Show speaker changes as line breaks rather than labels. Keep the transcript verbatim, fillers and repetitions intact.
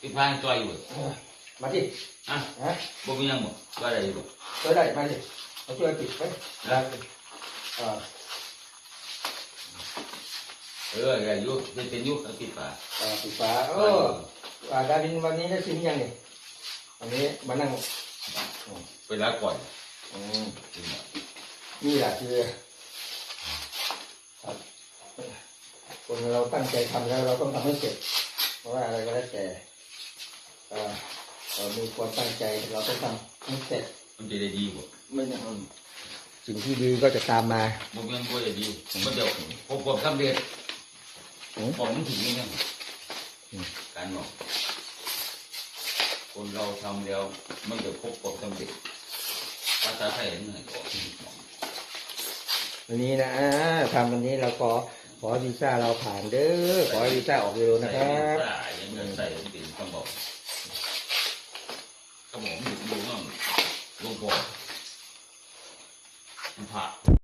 ปิดพานตัวอยู่
มาที่
อ่ะ
ฮะ
บ่มียังบ่ตัวอะไรอยู่
ตัวได้มาที่มาช่วยปิดไปได้เออ
เอออะไรอยู่เป็นเป็นอยู่ปิดฝา
เออปิดฝาโอ้ดารินวันนี้ได้ชิมยังนี่วันนี้มานั่ง
ไปล้างก่อน
อืมนี่แหละคือคนเราตั้งใจทำแล้วเราต้องทำให้เสร็จเพราะว่าอะไรก็แล้วแต่เรามีความตั้งใจเราต้องทำให้เสร็จ
มันจะได้ดีกว่า
ไม่ใช่สิ่งที่ดีก็จะตามมา
บุกยังก็จะดีมันเดี๋ยวพบความสำเร็จผมถึงนี่นะการบอกคนเราทำแล้วมันจะพบความสำเร็จภาษาไทยเหนื่อยกว่า
วันนี้นะทำวันนี้เราขอขอวีซ่าเราผ่านเด้อขอวีซ่าออกเร็วนะครับ
ยังเงินใส่เป็นคำบอกคำบอกมันดูมั่งลงก่อนผ่า